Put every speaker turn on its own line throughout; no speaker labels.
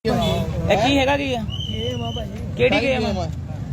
ਇਹ ਕੀ ਹੈਗਾ ਕੀ ਹੈ?
ਗੇਮ ਆ ਭਾਜੀ।
ਕਿਹੜੀ ਗੇਮ ਆ?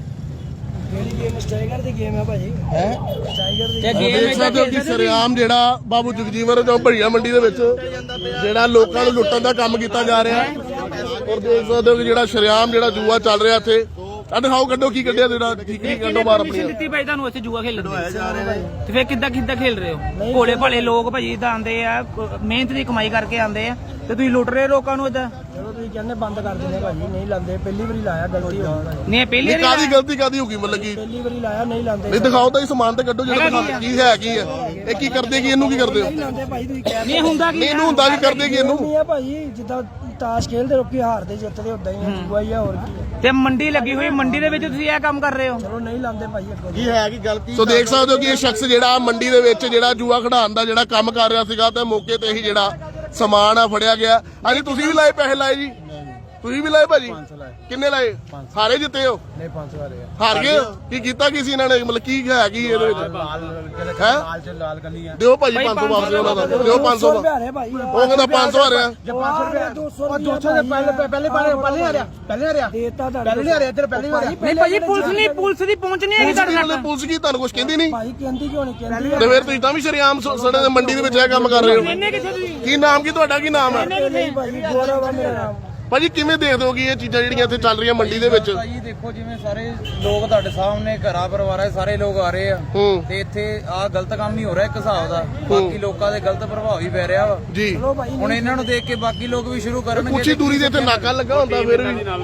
ਕਿਹੜੀ ਗੇਮ? ਸਟ੍ਰਾਈਕਰ ਦੀ ਗੇਮ ਆ ਭਾਜੀ। ਸਟ੍ਰਾਈਕਰ ਦੀ
ਤੇ
ਦੇਖ
ਗੇਮ
ਸਕਦੇ ਹੋ ਕਿ ਸਰਿਆਮ ਜਿਹੜਾ ਬਾਬੂ ਜਗਜੀਵਨ ਜੋ ਭੜੀਆ ਮੰਡੀ ਦੇ ਵਿੱਚ ਜਿਹੜਾ ਲੋਕਾਂ ਨੂੰ ਲੁੱਟਣ ਦਾ ਕੰਮ ਕੀਤਾ ਜਾ ਰਿਹਾ ਔਰ ਦੇਖ ਸਕਦੇ ਹੋ ਕਿ ਜਿਹੜਾ ਸਰਿਆਮ ਜਿਹੜਾ ਜੂਆ ਚੱਲ ਰਿਹਾ ਇੱਥੇ ਆ ਦਿਖਾਓ ਕੱਢੋ ਕੀ ਕੱਢਿਆ ਜਿਹੜਾ ਠੀਕ ਕੱਢੋ ਬਾਹਰ ਆਪਣੀ
ਦਿੱਤੀ ਭਾਈ ਤੁਹਾਨੂੰ ਇੱਥੇ ਜੂਆ ਖੇਲਣ ਦੀ ਤੇ ਫੇਰ ਕਿੱਦਾਂ ਖੇਲ ਰਹੇ ਹੋ? ਭੋਲੇ ਭਾਲੇ ਲੋਕ ਭਾਜੀ ਇਦਾਂ ਆਉਂਦੇ ਆ, ਮਿਹਨਤ ਦੀ ਕਮਾਈ ਕਰਕੇ ਆਉਂਦੇ ਆ ਤੇ ਤੁਸੀਂ ਲੁੱਟ ਰਹੇ ਲੋਕਾਂ ਨੂੰ ਇਦਾਂ।
ਚਲੋ ਤੁਸੀਂ ਕਹਿੰਦੇ ਬੰਦ ਕਰ ਦਿੰਦੇ ਭਾਜੀ, ਨਹੀਂ ਲਾਉਂਦੇ। ਪਹਿਲੀ ਵਾਰੀ ਲਾਇਆ, ਗਲਤੀ ਹੋ ਗਈ।
ਨਹੀਂ ਪਹਿਲੀ ਵਾਰੀ
ਕਾਦੀ ਗਲਤੀ ਕਾਦੀ ਹੋ ਗਈ ਮਤਲਬ ਕਿ
ਪਹਿਲੀ ਵਾਰੀ ਲਾਇਆ, ਨਹੀਂ ਲਾਉਂਦੇ।
ਨਹੀਂ ਦਿਖਾਓ ਤਾਂ ਇਹ ਸਮਾਨ ਤੇ ਕੱਢੋ ਜਿਹੜਾ ਕੀ ਹੈ ਇਹ ਕੀ ਕਰਦੇ ਕੀ ਇਹਨੂੰ ਕੀ ਕਰਦੇ ਹੋ?
ਨਹੀਂ ਲਾਉਂਦੇ ਭਾਜੀ, ਤੁਸੀਂ ਕਹਿ
ਨਹੀਂ ਹੁੰਦਾ
ਨਹੀਂ ਇਹਨੂੰ ਹੁੰਦਾ ਕੀ ਕਰਦੇ ਕੀ ਇਹਨੂੰ?
ਨਹੀਂ ਆ ਭਾਜੀ, ਜਿੱਦਾਂ ਤਾਸ਼ ਖੇਲਦੇ ਲੋਕੀ ਹਾਰਦੇ ਜਿੱਤਦੇ ਉਦਾਂ ਹੀ ਆ, ਜੂਆ ਹੀ ਆ, ਹੋਰ ਕੀ ਆ।
ਤੇ ਮੰਡੀ ਲੱਗੀ ਹੋਈ, ਮੰਡੀ ਦੇ ਵਿੱਚ ਤੁਸੀਂ ਇਹ ਕੰਮ ਕਰ ਰਹੇ ਹੋ?
ਚਲੋ ਨਹੀਂ ਲਾਉਂਦੇ ਭਾਜੀ ਅੱਗੋਂ।
ਕੀ ਹੈ ਕੀ ਗਲਤੀ? ਸੋ ਦੇਖ ਸਕਦੇ ਹੋ ਕਿ ਇਹ ਸ਼ਖਸ ਜਿਹੜਾ ਮੰਡੀ ਦੇ ਵਿੱਚ ਜਿਹੜਾ ਜੂਆ ਖਿਡਾਉਣ ਦਾ ਜਿਹੜਾ ਕੰਮ ਕਰ ਰਿਹਾ ਸੀਗਾ ਤੇ ਮੌਕੇ ਤੇ ਹੀ ਜਿਹੜਾ ਸਮਾਨ ਆ ਫੜਿਆ ਗਿਆ। ਹਾਂਜੀ ਤੁਸੀਂ ਵੀ ਲਾਏ ਪੈਸੇ ਲਾਏ ਜੀ? ਤੁਸੀਂ ਵੀ ਲਾਏ ਭਾਜੀ? ਕਿੰਨੇ ਲਾਏ? ਸਾਰੇ ਜਿੱਤੇ ਹੋ?
ਨਹੀਂ 500 ਵਾਲੇ
ਹਾਰ ਗਏ ਹੋ? ਕੀ ਕੀਤਾ ਕੀ ਸੀ ਇਹਨਾਂ ਨੇ? ਮਤਲਬ ਕੀ ਹੈ ਕੀ ਇਹਦੇ ਵਿੱਚ? ਹੈ
ਲਾਲ ਗਲੀਆਂ
ਦਿਓ ਭਾਜੀ 500 ਵਾਪਸ ਉਹਨਾਂ ਦਾ ਦਿਓ 500 ਦਾ।
ਹਾਰੇ ਭਾਈ।
ਉਹ ਕਹਿੰਦਾ 500 ਹਾਰਿਆ।
500 ਰੁਪਏ 200 ਦੇ ਪਹਿਲੇ ਹਾਰਿਆ ਦੇਤਾ ਤੁਹਾਡੇ ਪਹਿਲੇ ਨਹੀਂ ਹਾਰਿਆ, ਇੱਧਰ ਪਹਿਲੇ ਹਾਰਿਆ।
ਨਹੀਂ ਭਾਜੀ ਪੁਲਿਸ ਦੀ ਪਹੁੰਚ ਨਹੀਂ ਹੈਗੀ ਤੁਹਾਡੇ ਨਾਲ।
ਪੁਲਿਸ ਕੀ ਤੁਹਾਨੂੰ ਕੁਝ ਕਹਿੰਦੀ ਨਹੀਂ?
ਭਾਈ ਕਹਿੰਦੀ ਕਿਉਂ ਨਹੀਂ? ਕਹਿੰਦੀ
ਤੇ ਫਿਰ ਤੁਸੀਂ ਤਾਂ ਵੀ ਸ਼ਰੇਆਮ ਸੜੇ ਦੇ ਮੰਡੀ ਦੇ ਵਿੱਚ ਇਹ ਕੰਮ ਕਰ ਰਹੇ ਹੋ।
ਇੰਨੇ ਕਿੱਥੇ ਤੁਸੀਂ?
ਕੀ ਨਾਮ ਕੀ ਤੁਹਾਡਾ? ਕੀ ਨਾਮ ਹੈ
ਨਹੀਂ ਭਾਜੀ, ਗੌਰਵ ਆ ਮੇਰਾ ਨਾਮ।
ਭਾਜੀ ਕਿਵੇਂ ਦੇਖਦੇ ਹੋ ਕਿ ਇਹ ਚੀਜ਼ਾਂ ਜਿਹੜੀਆਂ ਇੱਥੇ ਚੱਲ ਰਹੀਆਂ ਮੰਡੀ ਦੇ ਵਿੱਚ?
ਭਾਜੀ ਦੇਖੋ ਜਿਵੇਂ ਸਾਰੇ ਲੋਕ ਤੁਹਾਡੇ ਸਾਹਮਣੇ ਘਰਾਂ ਪਰਿਵਾਰਾਂ ਦੇ ਸਾਰੇ ਲੋਕ ਆ ਰਹੇ ਆ
ਹੂੰ
ਤੇ ਇੱਥੇ ਆ ਗਲਤ ਕੰਮ ਹੀ ਹੋ ਰਿਹਾ ਇੱਕ ਹਿਸਾਬ ਦਾ। ਬਾਕੀ ਲੋਕਾਂ ਦੇ ਗਲਤ ਪ੍ਰਭਾਵ ਵੀ ਪੈ ਰਿਹਾ ਵਾ।
ਜੀ
ਚਲੋ ਭਾਈ
ਹੁਣ ਇਹਨਾਂ ਨੂੰ ਦੇਖ ਕੇ ਬਾਕੀ ਲੋਕ ਵੀ ਸ਼ੁਰੂ ਕਰਨਗੇ।
ਕੁਛ ਹੀ ਦੂਰੀ ਦੇ ਇੱਥੇ ਨਾਕਾ ਲੱਗਾ ਹੁੰਦਾ ਫਿਰ ਵੀ।
ਨਾਲ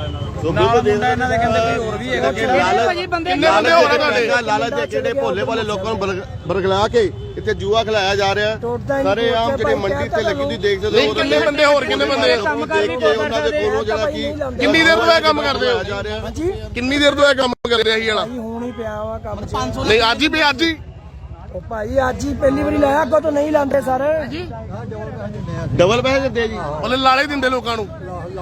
ਮੁੰਡਾ ਇਹਨਾਂ ਦੇ ਕਹਿੰਦੇ ਕੋਈ ਹੋਰ ਵੀ ਹੈਗਾ
ਭਾਜੀ ਬੰਦੇ
ਕਿੰਨੇ ਬੰਦੇ ਹੋ ਰਹੇ ਤੁਹਾਡੇ?
ਲਾਲਚ ਦੇ ਜਿਹੜੇ ਭੋਲੇ ਵਾਲੇ ਲੋਕਾਂ ਨੂੰ ਬਰਗਲਾ ਕੇ ਇੱਥੇ ਜੂਆ ਖਿਲਾਇਆ ਜਾ ਰਿਹਾ। ਸਾਰੇ ਆਮ ਜਿਹੜੇ ਮੰਡੀ ਤੇ ਲੱਗੀ ਤੁਸੀਂ ਦੇਖ ਸਕਦੇ
ਨਹੀਂ
ਹੋ।
ਕਿੰਨੇ ਬੰਦੇ ਹੋਰ ਕਿੰਨੇ ਬੰਦੇ
ਕੰਮ ਕਰ
ਦੇਖ ਕੇ ਉਹਨਾਂ ਦੇ ਕੋਲੋਂ ਜਿਹੜਾ ਕੀ
ਕਿੰਨੀ ਦੇਰ ਤੋਂ ਇਹ ਕੰਮ ਕਰਦੇ ਹੋ?
ਜਾ ਰਿਹਾ।
ਹਾਂਜੀ
ਕਿੰਨੀ ਦੇਰ ਤੋਂ ਇਹ ਕੰਮ ਕਰ ਰਿਹਾ ਸੀ ਵਾਲਾ?
ਭਾਈ ਹੁਣ ਹੀ ਪਿਆ ਵਾ ਕੰਮ 'ਚ।
ਨਹੀਂ ਅੱਜ ਹੀ ਵੀ ਅੱਜ ਹੀ
ਉਹ ਭਾਈ ਅੱਜ ਹੀ ਪਹਿਲੀ ਵਾਰੀ ਲਾਇਆ, ਅੱਗੋਂ ਤੋਂ ਨਹੀਂ ਲਾਉਂਦੇ ਸਰ।
ਡਬਲ ਪੈਸੇ ਦਿੰਦੇ ਜੀ।
ਉਹਨੇ ਲਾਲੇ ਦਿੰਦੇ ਲੋਕਾਂ ਨੂੰ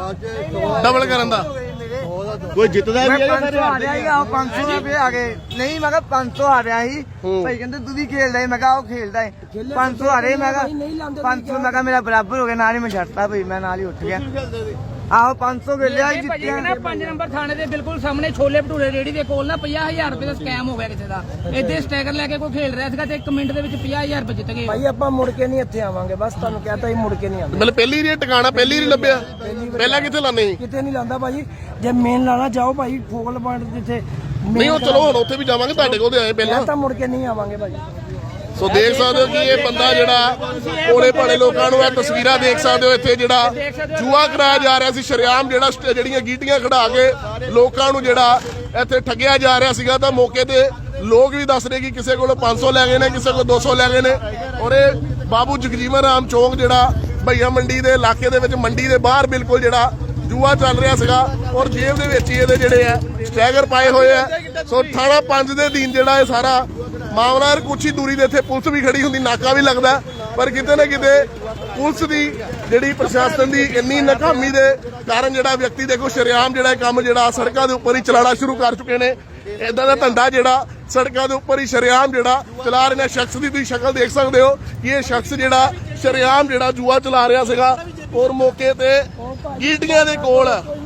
ਡਬਲ ਕਰਨ ਦਾ।
ਕੋਈ ਜਿੱਤਦਾ ਵੀ ਹੈ ਸਾਰੇ
ਆ ਰਿਹਾ ਸੀਗਾ, ਉਹ 500 ਰੁਪਏ ਆ ਗਏ। ਨਹੀਂ ਮੈਂ ਕਿਹਾ 500 ਆ ਰਿਹਾ ਸੀ। ਭਾਈ ਕਹਿੰਦੇ ਤੂੰ ਵੀ ਖੇਲਦਾ ਹੈ? ਮੈਂ ਕਿਹਾ ਉਹ ਖੇਲਦਾ ਹੈ। 500 ਆ ਰਹੇ, ਮੈਂ ਕਿਹਾ 500 ਮੈਂ ਕਿਹਾ ਮੇਰਾ ਬਰਾਬਰ ਹੋ ਗਿਆ। ਨਾਲ ਹੀ ਮੈਂ ਛੱਡਤਾ ਭਾਈ, ਮੈਂ ਨਾਲ ਹੀ ਉੱਠ ਗਿਆ। ਆਹੋ 500 ਵੇਲਿਆ
ਭਾਜੀ
ਜਿੱਤਿਆ।
ਨਾ 5 ਨੰਬਰ ਥਾਣੇ ਦੇ ਬਿਲਕੁਲ ਸਾਹਮਣੇ ਛੋਲੇ ਭਟੂਰੇ ਰੇੜੀ ਦੇ ਕੋਲ ਨਾ 50000 ਰੁਪਏ ਦਾ ਸਕੈਮ ਹੋ ਗਿਆ ਕਿਸੇ ਦਾ। ਇੱਥੇ ਸਟੈਕਰ ਲੈ ਕੇ ਕੋਈ ਖੇਲ ਰਿਹਾ ਸੀਗਾ ਤੇ 1 ਮਿੰਟ ਦੇ ਵਿੱਚ 50000 ਰੁਪਏ ਜਿੱਤ ਗਏ।
ਭਾਈ ਆਪਾਂ ਮੁੜ ਕੇ ਨਹੀਂ ਇੱਥੇ ਆਵਾਂਗੇ, ਬਸ ਤੁਹਾਨੂੰ ਕਹਤਾ ਹੀ ਮੁੜ ਕੇ ਨਹੀਂ ਆਵਾਂਗੇ।
ਮਤਲਬ ਪਹਿਲੀ ਰੀ ਟਿਕਾਣਾ ਪਹਿਲੀ ਰੀ ਲੱਭਿਆ? ਪਹਿਲਾਂ ਕਿੱਥੇ ਲਾਣੇ ਸੀ?
ਕਿਤੇ ਨਹੀਂ ਲਾਉਂਦਾ ਭਾਜੀ। ਜੇ ਮੇਨ ਲਾਣਾ ਜਾਓ ਭਾਈ ਫੋਕਲ ਪੁਆਇੰਟ ਜਿੱਥੇ
ਨਹੀਂ ਉਹ ਚਲੋ ਹੁਣ ਉੱਥੇ ਵੀ ਜਾਵਾਂਗੇ, ਤੁਹਾਡੇ ਕੋਲ ਤੇ ਆਏ ਪਹਿਲਾਂ।
ਤਾਂ ਮੁੜ ਕੇ ਨਹੀਂ ਆਵਾਂਗੇ ਭਾਜੀ।
ਸੋ ਦੇਖ ਸਕਦੇ ਹੋ ਕਿ ਇਹ ਬੰਦਾ ਜਿਹੜਾ ਭੋਲੇ ਭਾਲੇ ਲੋਕਾਂ ਨੂੰ ਇਹ ਤਸਵੀਰਾਂ ਦੇਖ ਸਕਦੇ ਹੋ ਇੱਥੇ ਜਿਹੜਾ ਜੂਆ ਕਰਾਇਆ ਜਾ ਰਿਹਾ ਸੀ ਸ਼ਰੇਆਮ, ਜਿਹੜਾ ਜਿਹੜੀਆਂ ਗੀਟੀਆਂ ਖੜਾ ਕੇ ਲੋਕਾਂ ਨੂੰ ਜਿਹੜਾ ਇੱਥੇ ਠੱਗਿਆ ਜਾ ਰਿਹਾ ਸੀਗਾ। ਤਾਂ ਮੌਕੇ ਤੇ ਲੋਕ ਵੀ ਦੱਸ ਰਹੇ ਕਿ ਕਿਸੇ ਕੋਲ 500 ਲੈ ਗਏ ਨੇ, ਕਿਸੇ ਕੋਲ 200 ਲੈ ਗਏ ਨੇ। ਔਰ ਇਹ ਬਾਬੂ ਜਗਜੀਵਨ ਰਾਮ ਚੌਂਕ ਜਿਹੜਾ ਭਈਆ ਮੰਡੀ ਦੇ ਇਲਾਕੇ ਦੇ ਵਿੱਚ ਮੰਡੀ ਦੇ ਬਾਹਰ ਬਿਲਕੁਲ ਜਿਹੜਾ ਜੂਆ ਚੱਲ ਰਿਹਾ ਸੀਗਾ ਔਰ ਜੇਬ ਦੇ ਵਿੱਚ ਹੀ ਇਹਦੇ ਜਿਹੜੇ ਆ ਸਟੈਗਰ ਪਾਏ ਹੋਏ ਆ। ਸੋ ਥਾਣਾ 5 ਦੇ ਦਿਨ ਜਿਹੜਾ ਇਹ ਸਾਰਾ ਮਾਮਲਾ ਕੁਛ ਹੀ ਦੂਰੀ ਦੇ ਇੱਥੇ ਪੁਲਿਸ ਵੀ ਖੜੀ ਹੁੰਦੀ, ਨਾਕਾ ਵੀ ਲੱਗਦਾ, ਪਰ ਕਿਤੇ ਨਾ ਕਿਤੇ ਪੁਲਿਸ ਦੀ ਜਿਹੜੀ ਪ੍ਰਸ਼ਾਸਨ ਦੀ ਇੰਨੀ ਨਾਕਾਮੀ ਦੇ ਕਾਰਨ ਜਿਹੜਾ ਵਿਅਕਤੀ ਦੇਖੋ ਸ਼ਰੇਆਮ ਜਿਹੜਾ ਕੰਮ ਜਿਹੜਾ ਸੜਕਾਂ ਦੇ ਉੱਪਰ ਹੀ ਚਲਾਣਾ ਸ਼ੁਰੂ ਕਰ ਚੁੱਕੇ ਨੇ। ਇਦਾਂ ਦਾ ਧੰਦਾ ਜਿਹੜਾ ਸੜਕਾਂ ਦੇ ਉੱਪਰ ਹੀ ਸ਼ਰੇਆਮ ਜਿਹੜਾ ਚਲਾ ਰਹੇ ਨੇ। ਸ਼ਖਸ ਦੀ ਤੁਸੀਂ ਸ਼ਕਲ ਦੇਖ ਸਕਦੇ ਹੋ ਕਿ ਇਹ ਸ਼ਖਸ ਜਿਹੜਾ ਸ਼ਰੇਆਮ ਜਿਹੜਾ ਜੂਆ ਚਲਾ ਰਿਹਾ ਸੀਗਾ ਔਰ ਮੌਕੇ ਤੇ ਗੀਟੀਆਂ ਦੇ ਕੋਲ।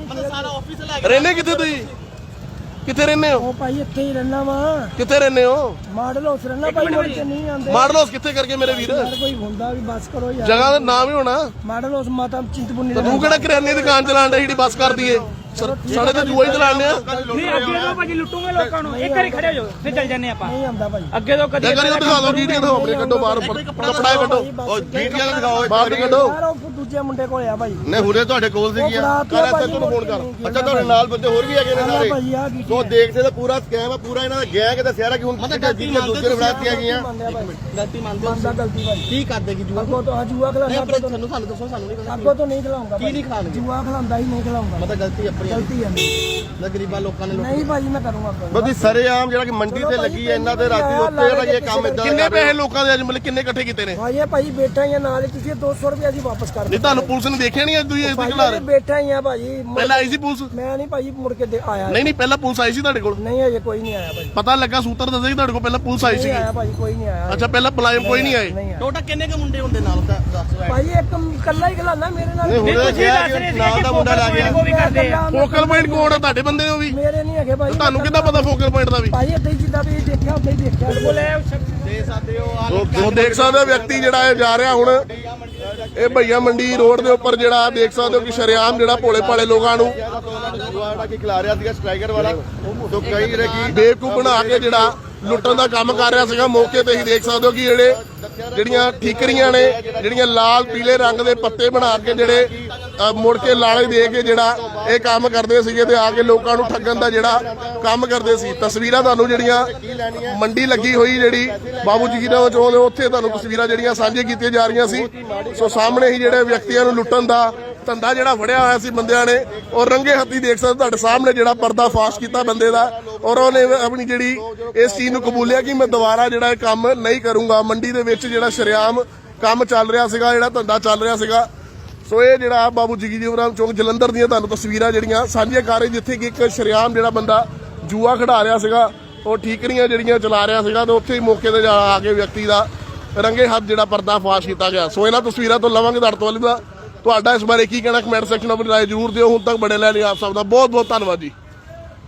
ਰਹਿੰਦੇ ਕਿੱਥੇ ਤੁਸੀਂ? ਕਿੱਥੇ ਰਹਿੰਦੇ ਹੋ?
ਉਹ ਭਾਈ ਇੱਥੇ ਹੀ ਰਹਿਣਾ ਵਾ।
ਕਿੱਥੇ ਰਹਿੰਦੇ ਹੋ?
ਮਾਡਲ ਹਾਊਸ ਰਹਿਣਾ ਭਾਈ, ਮੁੜ ਕੇ ਨਹੀਂ ਆਉਂਦੇ।
ਮਾਡਲ ਹਾਊਸ ਕਿੱਥੇ ਕਰਕੇ ਮੇਰੇ ਵੀਰ?
ਯਾਰ ਕੋਈ ਹੁੰਦਾ ਵੀ ਬੱਸ ਕਰੋ ਯਾਰ।
ਜਗ੍ਹਾ ਦਾ ਨਾਮ ਹੀ ਹੋਣਾ।
ਮਾਡਲ ਹਾਊਸ ਮਾਤਾ ਚਿੰਤਪੁਰਨੀ
ਤੇ ਤੂੰ ਕਿਹੜਾ ਕਰਿਆਨੇ ਦੀ ਦੁਕਾਨ ਚਲਾਉਣ ਦਾ ਜਿਹੜੀ ਬੱਸ ਕਰਦੀ ਏ? ਸਾਡੇ ਤੇ ਜੂਆ ਹੀ ਚਲਾਉਂਦੇ ਆ।
ਨਹੀਂ ਅੱਗੇ ਤੋਂ ਭਾਜੀ ਲੁੱਟੂਗੇ ਲੋਕਾਂ ਨੂੰ। ਇੱਕ ਵਾਰੀ ਖੜੇ ਹੋ ਜਾਓ ਫਿਰ ਚੱਲ ਜੰਨੇ ਆਪਾਂ।
ਨਹੀਂ ਆਉਂਦਾ ਭਾਈ।
ਅੱਗੇ ਤੋਂ ਕਦੀ
ਜਗ੍ਹਾ ਦਿਖਾ ਦਿਓ, ਗੀਟੀਆਂ ਦਿਖਾਓ ਆਪਣੇ, ਕੱਢੋ ਬਾਹਰ ਕੱਪੜਾ ਕੱਢੋ,
ਉਹ ਜੀਟੀਆਂ ਦਿਖਾਓ
ਬਾਹਰ ਦੀ ਕੱਢੋ।
ਯਾਰ ਉਹ ਦੂਜੇ ਮੁੰਡੇ ਕੋਲ ਆ ਭਾਈ।
ਨੇ ਹੁਣੇ ਤੁਹਾਡੇ ਕੋਲ ਸੀਗੀਆਂ।
ਕਰ
ਐਸੇ ਤੁਹਾਨੂੰ ਫੋਨ ਕਰ।
ਅੱਛਾ ਤੁਹਾਡੇ ਨਾਲ ਬੰਦੇ ਹੋਰ ਵੀ ਹੈਗੇ ਨੇ ਸਾਰੇ।
ਭਾਈ ਆ ਕੀ
ਸੋ ਦੇਖਦੇ ਤਾਂ ਪੂਰਾ ਸਕੈਮ ਆ, ਪੂਰਾ ਇਹਨਾਂ ਦਾ ਗੈਂਗ ਦਾ ਸਿਆਰਾ ਕਿ ਹੁਣ ਜੀਟੀਆਂ ਦੂਜੇ ਨੂੰ ਬਣਾਤੀਆਂ ਗਈਆਂ।
ਗਲਤੀ ਮੰਨਦਾ ਭਾਈ।
ਕੀ ਕਰਦੇ ਕੀ ਜੂਆ?
ਅੱਗੋਂ ਤੋਂ ਜੂਆ ਖਿਲਾਉਂਦਾ।
ਸਾਨੂੰ ਦੱਸੋ, ਸਾਨੂੰ ਨਹੀਂ
ਅੱਗੋਂ ਤੋਂ ਨਹੀਂ ਖਿਲਾਉਂਗਾ।
ਕੀ ਨਹੀਂ ਖਿਲਾਉਣਗੇ?
ਜੂਆ ਖਿਲਾਉਂਦਾ ਹੀ ਨਹੀਂ ਖਿਲਾਉਂਗਾ।
ਪਤਾ ਗਲਤੀ ਆਪਣੀ
ਗਲਤੀ ਹੈ
ਨਾ, ਗਰੀਬਾਂ ਲੋਕਾਂ ਨੇ
ਨਹੀਂ ਭਾਜੀ ਮੈਂ ਕਰੂੰਗਾ।
ਬਦੀ ਸਰੇਆਮ ਜਿਹੜਾ ਕਿ ਮੰਡੀ ਤੇ ਲੱਗੀ ਹੈ ਇਹਨਾਂ ਦੇ ਰਾਤੀ ਉੱਤੇ ਜਿਹੜਾ ਇਹ ਕੰਮ ਇਦਾਂ
ਕਿੰਨੇ ਪੈਸੇ ਲੋਕਾਂ ਦੇ ਅੱਜ ਮਤਲਬ ਕਿੰਨੇ ਇਕੱਠੇ ਕੀਤੇ ਨੇ?
ਭਾਈ ਇਹ ਭਾਈ ਬੈਠਾ ਹੀ ਆ ਨਾਲ ਹੀ, ਤੁਸੀਂ 200 ਰੁਪਏ ਅਸੀਂ ਵਾਪਸ ਕਰ
ਨਹੀਂ ਤੁਹਾਨੂੰ ਪੁਲਿਸ ਨੇ ਦੇਖਿਆ ਨਹੀਂ ਅੱਜ ਤੁਸੀਂ ਇਸ ਦੀ ਖਿਲਾ ਰਹੇ
ਬੈਠਾ ਹੀ ਆ ਭਾਜੀ
ਪਹਿਲਾਂ ਆਈ ਸੀ ਪੁਲਿਸ
ਮੈਂ ਨਹੀਂ ਭਾਜੀ ਮੁੜ ਕੇ ਆਇਆ
ਨਹੀਂ ਪਹਿਲਾਂ ਪੁਲਿਸ ਆਈ ਸੀ ਤੁਹਾਡੇ ਕੋਲ
ਨਹੀਂ ਅਜੇ ਕੋਈ ਨਹੀਂ ਆਇਆ ਭਾਜੀ
ਪਤਾ ਲੱਗਾ ਸੂਤਰ ਦੱਸੇ ਕਿ ਤੁਹਾਡੇ ਕੋਲ ਪਹਿਲਾਂ ਪੁਲਿਸ ਆਈ ਸੀ
ਆਇਆ ਭਾਜੀ ਕੋਈ ਨਹੀਂ ਆਇਆ
ਅੱਛਾ ਪਹਿਲਾਂ ਮੁਲਾਜ਼ਮ ਕੋਈ ਨਹੀਂ ਆਏ
ਟੋਟਲ ਕਿੰਨੇ ਕੁ ਮੁੰਡੇ ਹੁੰਦੇ ਨਾਲ
ਭਾਜੀ ਇੱਕ ਇਕੱਲਾ ਹੀ ਖਲਾਣਾ ਮੇਰੇ ਨਾਲ
ਨਾਲ ਦਾ ਮੁੰਡਾ ਲੱਗ ਗਿਆ
ਵੀ ਕਰਦੇ ਆ
ਫੋਕਲ ਪੁਆਇੰਟ ਕੋਣ ਆ ਤੁਹਾਡੇ ਬੰਦੇ ਨੇ ਵੀ
ਮੇਰੇ ਨਹੀਂ ਹੈਗੇ ਭਾਜੀ
ਤੁਹਾਨੂੰ ਕਿੱਦਾਂ ਪਤਾ ਫੋਕਲ ਪੁਆਇੰਟ ਦਾ ਵੀ
ਭਾਜੀ ਏਦਾਂ ਹੀ ਜਿੱਦਾਂ ਵੀ ਦੇਖਿਆ ਉਦਾਂ ਹੀ ਦੇਖਿਆ ਬੋਲੇ
ਸੋ ਦੇਖ ਸਕਦੇ ਹੋ ਵਿਅਕਤੀ ਜਿਹੜਾ ਇਹ ਜਾ ਰਿਹਾ ਹੁਣ ਇਹ ਭਈਆ ਮੰਡੀ ਰੋਡ ਦੇ ਉੱਪਰ ਜਿਹੜਾ ਦੇਖ ਸਕਦੇ ਹੋ ਕਿ ਸ਼ਰੇਆਮ ਜਿਹੜਾ ਭੋਲੇ ਭਾਲੇ ਲੋਕਾਂ ਨੂੰ
ਜੂਆ ਕੀ ਖਿਲਾ ਰਿਹਾ ਸੀਗਾ ਸਟ੍ਰਾਈਕਰ ਵਾਲਾ ਤੋਂ ਕਈ ਜਿਹੜੇ ਕੀ
ਬੇਵਕੂਫ ਬਣਾ ਕੇ ਜਿਹੜਾ ਲੁੱਟਣ ਦਾ ਕੰਮ ਕਰ ਰਿਹਾ ਸੀਗਾ ਮੌਕੇ ਤੇ ਹੀ ਦੇਖ ਸਕਦੇ ਹੋ ਕਿ ਜਿਹੜੀਆਂ ਠੀਕਰੀਆਂ ਨੇ ਜਿਹੜੀਆਂ ਲਾਲ ਪੀਲੇ ਰੰਗ ਦੇ ਪੱਤੇ ਬਣਾ ਕੇ ਜਿਹੜੇ ਮੁੜ ਕੇ ਲਾਲੇ ਦੇ ਕੇ ਜਿਹੜਾ ਇਹ ਕੰਮ ਕਰਦੇ ਸੀਗੇ ਤੇ ਆ ਕੇ ਲੋਕਾਂ ਨੂੰ ਠੱਗਣ ਦਾ ਜਿਹੜਾ ਕੰਮ ਕਰਦੇ ਸੀ। ਤਸਵੀਰਾਂ ਤੁਹਾਨੂੰ ਜਿਹੜੀਆਂ ਮੰਡੀ ਲੱਗੀ ਹੋਈ ਜਿਹੜੀ ਬਾਬੂ ਜਗੀਰਾਂ ਚੌਂਕ ਦੇ ਉੱਥੇ ਤੁਹਾਨੂੰ ਤਸਵੀਰਾਂ ਜਿਹੜੀਆਂ ਸਾਂਝੀਆਂ ਕੀਤੀਆਂ ਜਾ ਰਹੀਆਂ ਸੀ। ਸੋ ਸਾਹਮਣੇ ਹੀ ਜਿਹੜੇ ਵਿਅਕਤੀਆਂ ਨੂੰ ਲੁੱਟਣ ਦਾ ਧੰਦਾ ਜਿਹੜਾ ਫੜਿਆ ਹੋਇਆ ਸੀ ਬੰਦਿਆਂ ਨੇ ਔਰ ਰੰਗੇ ਹੱਥੀ ਦੇਖ ਸਕਦੇ ਤੁਹਾਡੇ ਸਾਹਮਣੇ ਜਿਹੜਾ ਪਰਦਾ ਫਾਸ਼ ਕੀਤਾ ਬੰਦੇ ਦਾ ਔਰ ਉਹਨੇ ਆਪਣੀ ਜਿਹੜੀ ਇਸ ਚੀਜ਼ ਨੂੰ ਕਬੂਲਿਆ ਕਿ ਮੈਂ ਦੁਬਾਰਾ ਜਿਹੜਾ ਇਹ ਕੰਮ ਨਹੀਂ ਕਰੂੰਗਾ। ਮੰਡੀ ਦੇ ਵਿੱਚ ਜਿਹੜਾ ਸ਼ਰੇਆਮ ਕੰਮ ਚੱਲ ਰਿਹਾ ਸੀਗਾ ਜਿਹੜਾ ਧੰਦਾ ਚੱਲ ਰਿਹਾ ਸੀਗਾ। ਸੋ ਇਹ ਜਿਹੜਾ ਬਾਬੂ ਜਗੀਰਾਂ ਚੌਂਕ ਜਲੰਧਰ ਦੀਆਂ ਤੁਹਾਨੂੰ ਤਸਵੀਰਾਂ ਜਿਹੜੀਆਂ ਸਾਂਝੀਆਂ ਕਰ ਰਹੇ ਜਿੱਥੇ ਕਿ ਇੱਕ ਸ਼ਰੇਆਮ ਜਿਹੜਾ ਬੰਦਾ ਜੂਆ ਖੜਾ ਰਿਹਾ ਸੀਗਾ ਉਹ ਠੀਕਰੀਆਂ ਜਿਹੜੀਆਂ ਚਲਾ ਰਿਹਾ ਸੀਗਾ ਤੇ ਉੱਥੇ ਹੀ ਮੌਕੇ ਤੇ ਆ ਕੇ ਵਿਅਕਤੀ ਦਾ ਰੰਗੇ ਹੱਥ ਜਿਹੜਾ ਪਰਦਾ ਫਾਸ਼ ਕੀਤਾ ਗਿਆ। ਸੋ ਇਹਨਾਂ ਤਸਵੀਰਾਂ ਤੋਂ ਲਵਾਂਗੇ ਤੁਹਾਡਾ ਇਸ ਬਾਰੇ ਕੀ ਕਹਿਣਾ ਕਮੈਂਟ ਸੈਕਸ਼ਨ ਵਿੱਚ ਰਾਏ ਜ਼ਰੂਰ ਦਿਓ। ਹੁਣ ਤੱਕ ਬੜੇ ਲੈ ਲਈ ਆਪ ਸਭ ਦਾ ਬਹੁਤ ਬਹੁਤ ਧੰਨਵਾਦ ਜੀ।